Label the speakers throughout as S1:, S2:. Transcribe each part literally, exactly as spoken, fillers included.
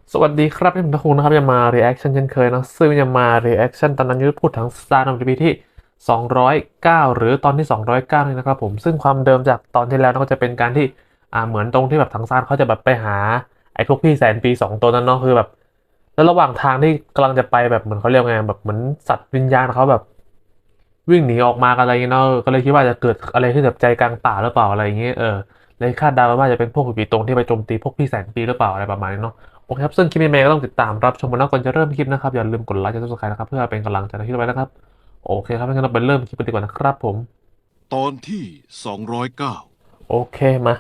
S1: สวัสดีครับผมทักคุงนะครับจะมา reaction เช่นเคยนะซึ่งจะมา reaction ตอนนั้นยุทธพูดถึง Star ใน อี พี ที่สองร้อยเก้าหรือตอนที่สองร้อยเก้านี่นะครับผมซึ่งความเดิมจากตอนที่แล้วก็จะเป็นการที่อ่าเหมือนตรงที่แบบทางซานเขาจะแบบไปหาไอ้พวกพี่แสนปีสองตัวนั้นเนาะคือแบบแล้วระหว่างทางที่กำลังจะไปแบบเหมือนเขาเรียกไงแบบเหมือนสัตว์วิญญาณเขาแบบวิ่งหนีออกมากันอะไรอย่างเงี้ยเนาะก็เลยคิดว่าจะเกิดอะไรขึ้นแบบใจกลางป่าหรือเปล่าอะไรอย่างเงี้ยเออเลยคาดเดาว่าจะเป็นพวกผีตรงที่ไปโจมตีพวกพี่แสนปีหรือเปล่าอะไรประมาณนี้เนาะ โอเคครับซึ่งคลิปนี้เมย์ก็ต้องติดตามรับชมกันแล้วก่อนจะเริ่มคลิปนะครับอย่าลืมกดไลค์กดซับสไครต์นะครับเพื่อเป็นกำลังใจในคลิปไว้นะครับโอเคครับงั้นเราไปเริ่มคลิปกันดีกว่านะครับผม
S2: ตอนที่สองร้อยเก้า
S1: โอเคมา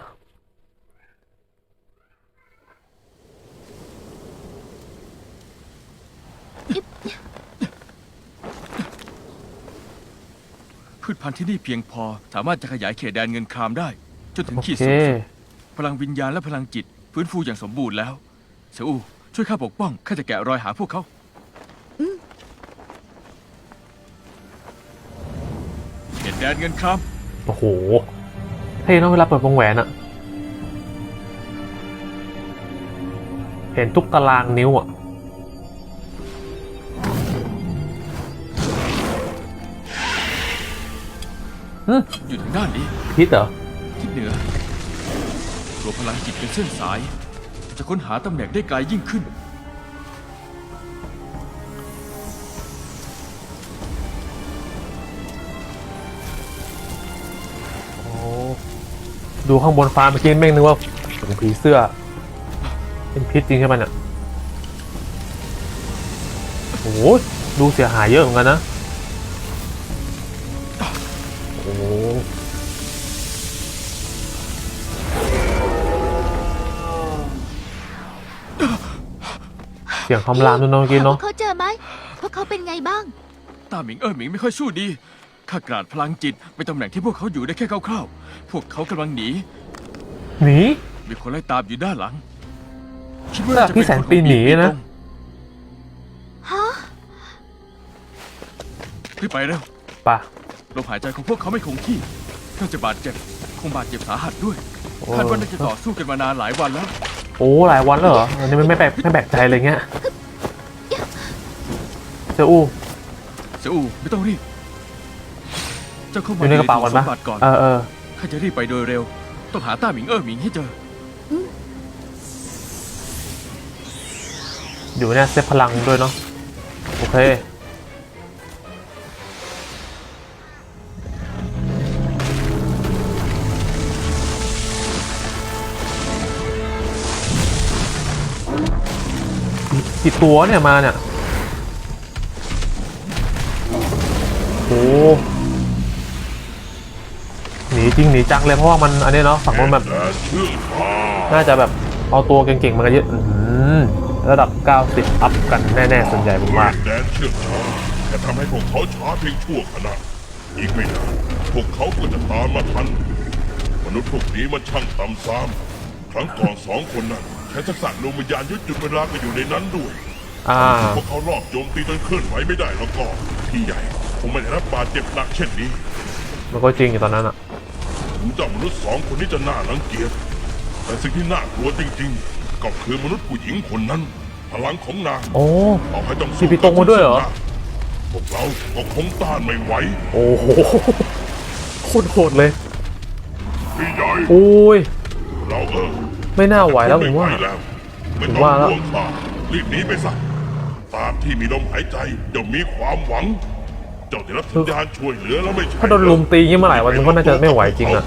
S3: พืชพันธุ์ที่นี่เพียงพอสามารถจะขยายเขตแดนเงินครามได้จนถึง
S1: โอ
S3: ขีด
S1: เค
S3: สูงสุดพลังวิญญาณและพลังจิตฟื้นฟูอย่างสมบูรณ์แล้วเซอูช่วยข้าปกป้องข้าจะแกะรอยหาพวกเขาเขตแดนเงินคราม
S1: โอ้โหเท่เนอะเวลาเปิดวงแหวนอะเห็นทุกตารางนิ้วอะอืม
S3: อยู่ทางด้านนี้
S1: พิษเหรอ
S3: ทิศเหนือตัวพลังจิตเป็นเส้นสาย จะค้นหาตำแหน่งได้ไกลยิ่งขึ้น
S1: โอ้ดูข้างบนฟ้าเมื่อกี้แม่งนึกว่าถึงผีเสื้อเป็นพิษจริงใช่ไหมเนี่ยโอ้โหดูเสียหายเยอะเหมือนกันนะโอ้เสียงคำรามด้วยเนาะเมื่อกี้
S4: หาพ
S1: เนาะ
S4: วกเขาเจอไหมพวกเขาเป็นไงบ้าง
S3: ต้าหมิงเอ๋อหมิงไม่ค่อยสู้ดีข้ากราดพลังจิตไปตำแหน่งที่พวกเขาอยู่ได้แค่คร่าวๆพวกเขากำลังหนี
S1: หนี
S3: มีคนไล่ตามอยู่ด้านหลังคิดว่า
S1: แล้ว
S3: จะ
S1: พี่
S3: เป็น
S1: แสน
S3: คนของ
S1: ปีหนีนะ
S3: ตรง
S4: ฮะ
S3: รีบไปเร็ว
S1: ป่ะ
S3: ลมหายใจของพวกเขาไม่คงที่น่าจะบาดเจ็บ คงบาดเจ็บสาหัสด้วย
S1: โอ้
S3: คาดว่าน่าจะต่อสู้กันมานานหลายวันแล้ว
S1: โอ้หลายวันแล้วเหรออันนี้ไม่ไม่แปลกไม่แปลกใจเลยเงี้ยเจ้าอู้
S3: เสียอูไม่ต้องรีบ เจ้าเข้า
S1: อ
S3: มา
S1: ยู่ในกระเป๋า
S3: ถุ
S1: ก่อง น
S3: ส
S1: ปะ
S3: มบัติก่อน
S1: เออเออ
S3: ข้าจะรีบไปโดยเร็ว ต้องหาต้าหมิงเอ๋อหมิงให้เจอ
S1: อยู่เนี่ยเซฟพลังด้วยเนาะโอเคกี่ตัวเนี่ยมาเนี่ยโอ้หนีจริงหนีจังเลยเพราะว่ามันอันนี้เนาะฝั่งนู้นแบบน่าจะแบบเอาตัวเก่งๆมากันเยอะอื้อหือระดับเก้าสิบอัพกันแน่ๆส่วนใหญ่ผมว่า
S2: แดนเชื่อมช้าแค่ทำให้พวกเขาช้าเพียงชั่วขณะอีกไม่นานพวกเขาก็จะตามมาทัน มนุษย์พวกนี้มันช่างต่ำซ้ำครั้งก่อนสองคนนั้นใช้ทักษะลมวิญญาณยึดจุดเวลาก็อยู่ในนั้นด้วย
S1: อ่า
S2: พวกเขารอบโจมตีจนเคลื่อนไหวไม่ได้แล้วก็พี่ใหญ่คงไม่ได้รับบาดเจ็บหนักเช่นนี้
S1: มันก็จริงอยู่ตอนนั้นอะ
S2: ถึงเจ้ามนุษย์สองคนนี้จะน่ารังเกียจแต่สิ่งที่น่ากลัวจริงๆก็คือมนุษย์ผู้หญิงคนนั้น พลังของนาง
S1: โอ้
S2: ต่อให้ต้อง
S1: มี
S2: สู้
S1: พี่ตรงมาด้วยเหรอ
S2: พวกเราก็คงต้านไม่ไหว
S1: โอ้โหโคตรโหดเลย
S2: พี่ใหญ่
S1: โอ้ย
S2: เราเออ
S1: ไม่น่าไหวแล้วผมว่า
S2: ไไหแล้วไม่
S1: ผม
S2: ต้อง
S1: ว่าแล้ว
S2: ห่วงข้ารีบหนีไปซะตามที่มีลมหายใจจะมีความหวัง เจ้าได้รับสัญญาณช่วยเหลือแล้วไม่ใช่
S1: ถ้าโดนลุมตียิ่งเมื่อไหร่วันนึงก็น่าจะไม่ไหวจริงอะ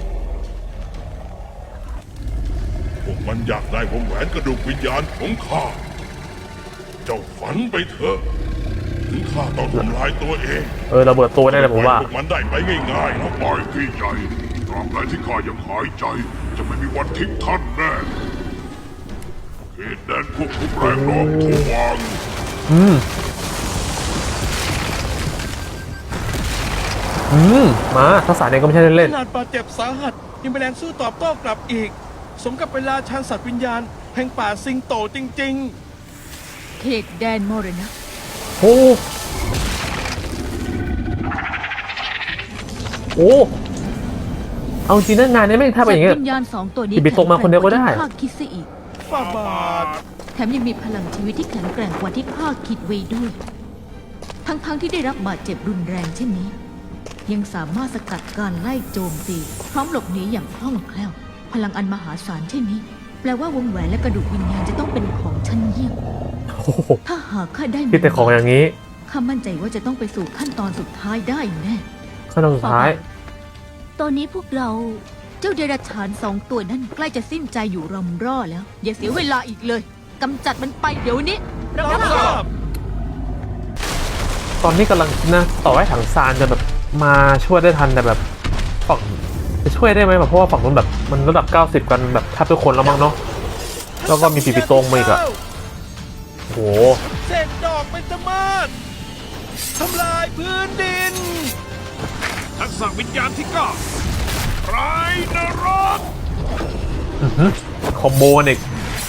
S2: พวกมันอยากได้วงแหวนกระดูกวิญญาณของข้า เจ้าฝันไปเถอะ ถึงข้าต้องทำลายตัวเอง
S1: เออระเบิดตัวแน่เลยผมว่า
S2: พวกมันได้ไปง่ายๆนะปล่อยพี่ใหญ่ตราบใดที่ข้ายังหายใจ จะไม่มีวันทิ้งท่านแน่เขตแดนควบคุมแรงโน้มถ่วง
S1: อืม อืม มาทักษะเนี่ยก็ไม่ใช่เล่น
S5: ขนาดบาดเจ็บสาหัสยังเป็นแรงสู้ตอบโต้กลับอีก สมกับเวลาชันสัตว์วิญญาณแห่งป่าสิงโตจริง
S4: เขตแดนมรณะ
S1: ๆโอ้โอ้เอาจริงนะงานนี้ไม่งถ้าเป็นอย่างเงี้ย
S4: สัตว์วิญญาณสองตัวนี้
S1: หยิบไปตกมาคนเดียวก็ได้
S4: ข้าคิดซะอีก
S5: ๆฝ่าบาท
S4: แถมยังมีพลังชีวิตที่แข็งแกร่งกว่าที่ข้าคิดไว้ด้วย ทั้งๆทที่ได้รับบาดเจ็บรุนแรงเช่นนี้ ยังสามารถสกัดการไล่โจมตีพร้อมหลบหนีอย่างคล่องแคล่ว พลังอันมหาศาลเช่นนี้ แปลว่าวงแหวนและกระดูกวิญญาณจะต้องเป็นของชั้นเยี่ยม
S1: โอ้โห
S4: ถ้าหากข้าได้
S1: คิดแต่ของอย่างนี้
S4: ข้ามั่นใจว่าจะต้องไปสู่ขั้นตอนสุดท้ายได้แน่
S1: ขั้นตอนสุดท้าย
S4: ตอนนี้พวกเราเจ้าเดรัจฉานสองตัวนั้นใกล้จะสิ้นใจอยู่รำร่อแล้ว อย่าเสียเวลาอีกเลยกำจัดมันไปเดี๋ยวนี้
S5: รับทราบ
S1: ตอนนี้กำลังนะต่อให้ถังซานจะแบบมาช่วยได้ทันแต่แบบฝั่งจะช่วยได้ไหมแบบเพราะว่าฝั่งนู้นแบบมันระดับเก้าสิบกันแบบแทบทุกคนแล้วมั้งเนาะแล้วก็มีปีปีโตงมาอีกอะโอ้โห
S5: เศษดอกเป็นตะมาดทำลายพื้นดิน ทักษะวิญญาณที่เก้าไรนรก
S1: อื้อหือคอมโบกันอีก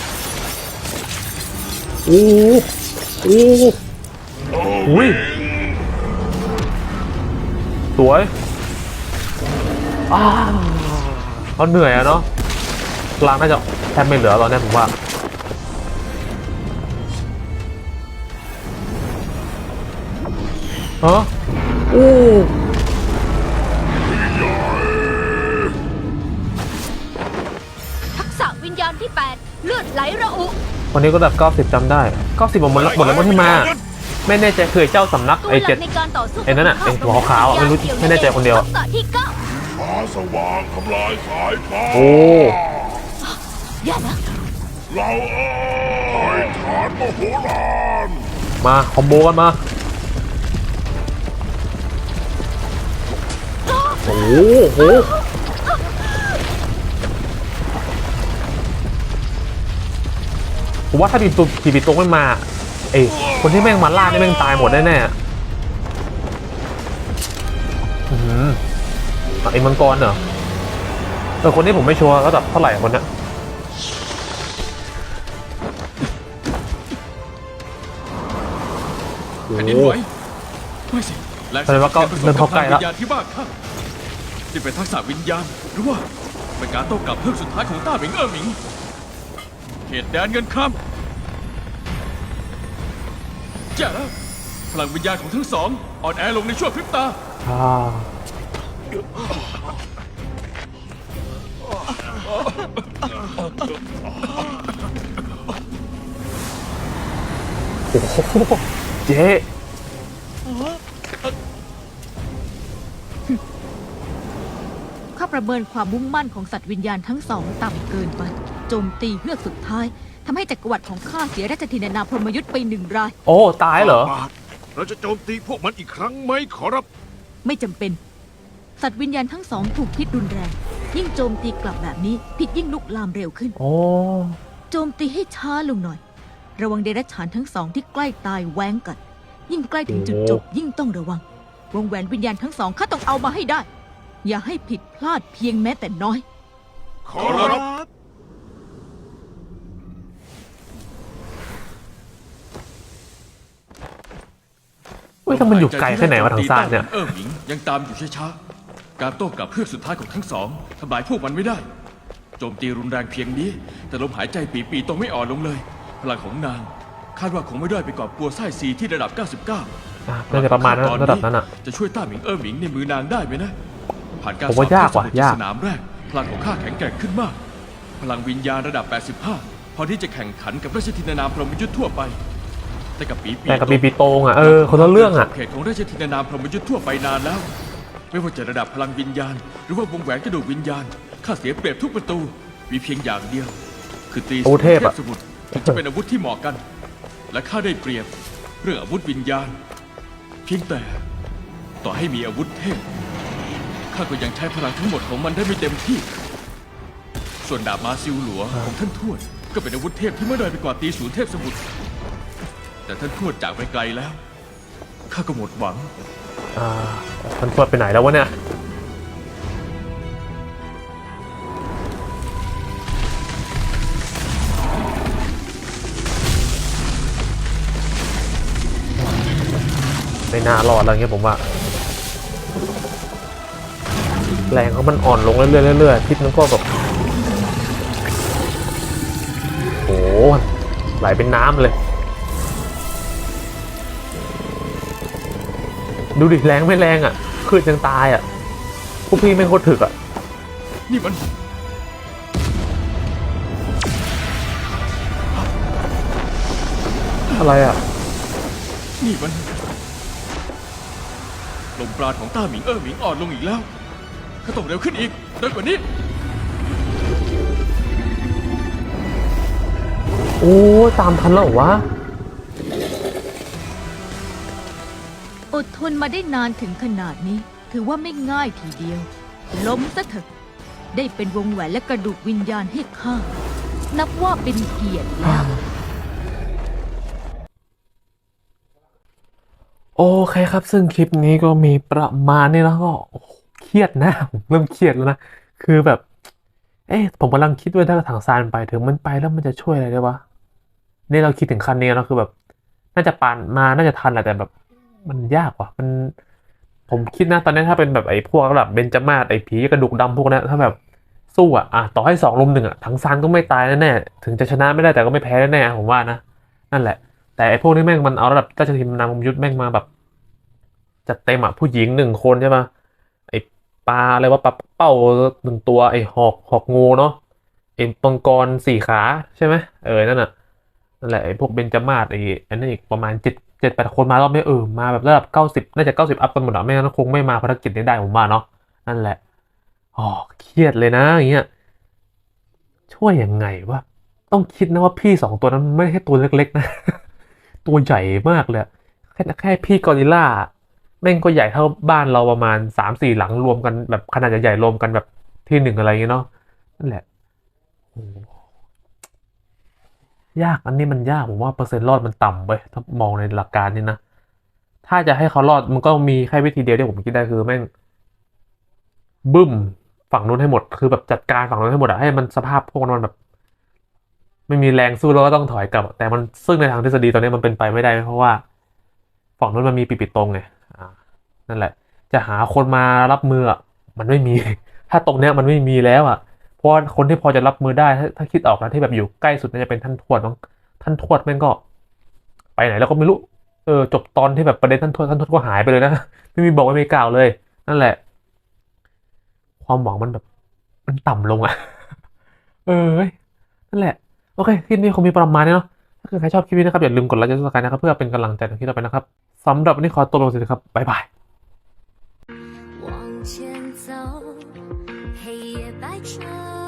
S1: โอ้โหโอ้โหอุ้ยสวยอ้าวเขาเหนื่อยอะเนาะกลางน่าจะแทบไม่เหลือตอนนี้ผมว่าฮะโอ้
S4: ทักษะวิญญาณที่แปดเลือดไหลระอุ
S1: วันนี้ก็ระดับเก้าสิบจำได้เก้าสิบหมดแล้วหมดแล้วมั้งที่มาไม่แน่ใจคือเจ้าสำนัก
S4: ตัว
S1: ไอ้
S4: หลั
S1: เจ็ด
S4: กในการต่อสู้
S1: ไอ้นั่นน่ะไอ้หัวขาวๆอ่ะไม่รู้ไม่แน่ใจคนเดียว
S4: ทักษะที่เก้า
S2: ฟ้าสว่างทำลายสายฟ้า
S1: โอ้
S4: อย่านะ
S2: เราเอ้ยฐานมโหฬาร
S1: มาคอมโบกันมาโอ้โหผมว่าถ้าปีตุปีปีตรงไม่มาไอ้คนที่แม่งมาล่านี่แม่งตายหมดแน่ๆอือหือไอ้มังกรเหรอเออคนนี้ผมไม่ชัวร์ระดับเท่าไหร่คนเนี้ย
S3: แผ่นดินไหวไม่สิแรง
S1: แสดงว่าก็เริ่มเข้าใกล้แล้ว
S3: วิญญาณที่บ้านข้านี่เป็นทักษะวิญญาณหรือว่าเป็นการโต้กลับเพิ่มสุดท้ายของต้าหมิงเอ๋อหมิงเขตแดนเงินคำจ้าพลังวิญญาณของทั้งสองอ่อนแอลงในชั่วพริบตา
S1: อ่าโอ้โหเจ๊
S4: ข้าประเมินความมุ่งมั่นของสัตว์วิญญาณทั้งสองต่ำเกินไป โจมตีเฮือกสุดท้ายทำให้จักรวรรดิของข้าเสียราชธินนาพรหมยุทธ์ไปหนึ่งราย
S1: โอ้ตายเหรอ
S5: เราจะโจมตีพวกมันอีกครั้งไหมขอรับ
S4: ไม่จำเป็น สัตว์วิญญาณทั้งสองถูกพิษรุนแรง ยิ่งโจมตีกลับแบบนี้พิษยิ่งลุกลามเร็วขึ้น
S1: โอ้
S4: โจมตีให้ช้าลงหน่อย ระวังเดรัจฉานทั้งสองที่ใกล้ตายแว้งกัน ยิ่งใกล้ถึงจุดจบยิ่งต้องระวัง วงแหวนวิญญาณทั้งสองข้าต้องเอามาให้ได้ อย่าให้ผิดพลาดเพียงแม้แต่น้อย
S5: ขอรับ
S1: เฮ้ยถ้ามันอยู่ไกลแค่ไหนวะทางซ้ายเนี่ย
S3: เออหมิงยังตามอยู่ช้าๆการโต้กลับเพื่อสุดท้ายของทั้งสองทำลายพวกมันไม่ได้ โจมตีรุนแรงเพียงนี้ แต่ลมหายใจปีปีๆต้องไม่อ่อนลงเลย พลังของนางคาดว่าคงไม่ด้อยไปกว่าปัวไส้ซีที่ระดับ เก้าสิบเก้า
S1: อ่ะน่าจะประมาณนั้นระดับนั้นอ่ะ
S3: จะช่วยต้าหมิงเออหมิงในมือนางได้ไหมนะ ผ่านการ
S1: ผมว่ายากว่ะ
S3: สอบเทพสมุทร
S1: ยาก
S3: สนามแรก พลังของข้าแข็งแกร่งขึ้นมาก พลังวิญญาณระดับ แปดสิบห้า พอที่จะแข่งขันกับราชธินานามพรหมยุทธ์ทั่วไป แต่กับปีปี
S1: แต่กับปีปีโตงอ่ะเออคนละเรื่องอ่ะ
S3: เขตของราชธินานามพรหมยุทธ์ทั่วไปนานแล้ว ไม่ว่าจะระดับพลังวิญญาณ หรือว่าวงแหวนกระดูกวิญญาณข้าเสียเปรียบทุกประตูมีเพียงอย่างเดียว คือตรี
S1: อาวุธเทพอะ
S3: สมุทรถึงจะเป็นอาวุธที่เหมาะกัน และข้าได้เปรียบเรื่องอาวุธวิญญาณ เพียงแต่ต่อให้มีอาวุธเทพข้าก็ยังใช้พลังทั้งหมดของมันได้ไม่เต็มที่ ส่วนดาบมาซิลหลัวของท่านทวดก็เป็นอาวุธเทพที่ไม่ด้อยไปกว่าตีศูนย์เทพสมุทรแต่ท่านทวดจากไปไกลแล้วข้าก็หมดหวัง
S1: อ่ามันตรวจไปไหนแล้ววะเนี่ยไม่น่ารอดแล้วเงี้ยผมว่า แรงเขามันอ่อนลงเรื่อยๆเรื่อยๆพิษมันก็แบบโอ้โหไหลเป็นน้ำเลย ดูดิแรงไม่แรงอ่ะคืนยังตายอ่ะพวกพี่ไม่งโคตรถึกอ่ะ
S3: นี่มัน
S1: อะไรอ่ะ
S3: นี่มันลมปราณของต้าหมิงเออหมิงอ่อนลงอีกแล้วข้าต้องเร็วขึ้นอีกเร็วกว่านี้
S1: โอ้ตามทันแล้วเหรอวะ
S4: อดทนมาได้นานถึงขนาดนี้ ถือว่าไม่ง่ายทีเดียว ล้มซะเถอะได้เป็นวงแหวนและกระดูกวิญญาณให้ข้านับว่าเป็นเกียรติแล้ว
S1: โอเคครับ ซึ่งคลิปนี้ก็มีประมาณนี้แล้วก็โอ้โหเครียดนะ ผมเริ่มเครียดแล้วนะ คือแบบ เอ๊ะผมกำลังคิดว่าถ้าถังซานไปถึงมันไปแล้วมันจะช่วยอะไรได้วะ นี่เราคิดถึงขั้นนี้แล้วคือแบบ น่าจะปานมาน่าจะทันแหละแต่แบบ มันยากว่ะ มัน ผมคิดนะตอนนี้ถ้าเป็นแบบไอ้พวกแบบเบญจมาศไอ้ผีกระดูกดำพวกนั้นถ้าแบบสู้อ่ะอ่ะต่อให้สองลุมหนึ่งอ่ะถังซานก็ไม่ตายแน่ๆถึงจะชนะไม่ได้แต่ก็ไม่แพ้แน่ๆผมว่านะนั่นแหละ แต่ไอ้พวกนี้แม่งมันเอาระดับราชทินนำยุทธแม่งมาแบบจัดเต็มอ่ะผู้หญิงหนึ่งคนใช่ปะไอ้ปลาอะไรว่าปลาเป้าหนึ่งตัวไอ้หอกหอกงูเนาะไอ้มังกรสี่ขาใช่ไหมเออนั่นน่ะนั่นแหละไอ้พวกเบญจมาศไอ้อันนั้นอีกประมาณเจ็ดเจ็ดแปดคนมารอบนี้เออมาแบบระดับเก้าสิบน่าจะเก้าสิบอัพกันหมดอ่ะไม่งั้นคงไม่มาภารกิจนี้ได้ผมว่าเนาะนั่นแหละอ๋อเครียดเลยนะอย่างเงี้ยช่วยยังไงวะต้องคิดนะว่าพี่สองตัวนั้นไม่ใช่ตัวเล็กๆนะ ตัวใหญ่มากเลยอะแค่แค่พี่กอริลล่าแม่งก็ใหญ่เท่าบ้านเราประมาณสามสี่หลังรวมกันแบบขนาดใหญ่ๆรวมกันแบบที่หนึ่งอะไรอย่างเงี้ยเนาะนั่นแหละโอ้ยากอันนี้มันยากผมว่าเปอร์เซ็นต์รอดมันต่ำเว้ยถ้ามองในหลักการนี้นะถ้าจะให้เขารอดมันก็มีแค่วิธีเดียวที่ผมคิดได้คือแม่งบึ้มฝั่งนู้นให้หมดคือแบบจัดการฝั่งนู้นให้หมดอะให้มันสภาพพวกมันแบบ ไม่มีแรงสู้แล้วก็ต้องถอยกลับ แต่มันซึ่งในทางทฤษฎีตอนนี้มันเป็นไปไม่ได้เพราะว่าฝั่งนู้นมันมีปีปิดตรงไงอ่านั่นแหละ จะหาคนมารับมืออ่ะมันไม่มี ถ้าตรงเนี้ยมันไม่มีแล้วอ่ะเพราะว่าคนที่พอจะรับมือได้ถ้าถ้าคิดออกนะที่แบบอยู่ใกล้สุดน่าจะเป็นท่านทวดมั้งท่านทวดแม่งก็ ไปไหนแล้วก็ไม่รู้เออจบตอนที่แบบประเด็นท่านทวดท่านทวดก็หายไปเลยนะ ไม่มีบอกไม่มีกล่าวเลย นั่นแหละ ความหวังมันแบบมันต่ำลงอ่ะ เออเว้ยนั่นแหละ โอเค คลิปนี้คงมีประมาณนี้เนาะ ถ้าเกิดใครชอบคลิปนี้นะครับ อย่าลืมกดไลค์กดซับสไครต์นะครับ เพื่อเป็นกำลังใจในคลิปต่อไปนะครับ สำหรับวันนี้ขอตัวลงสิครับ บ๊ายบาย
S6: 往前走，黑夜白昼。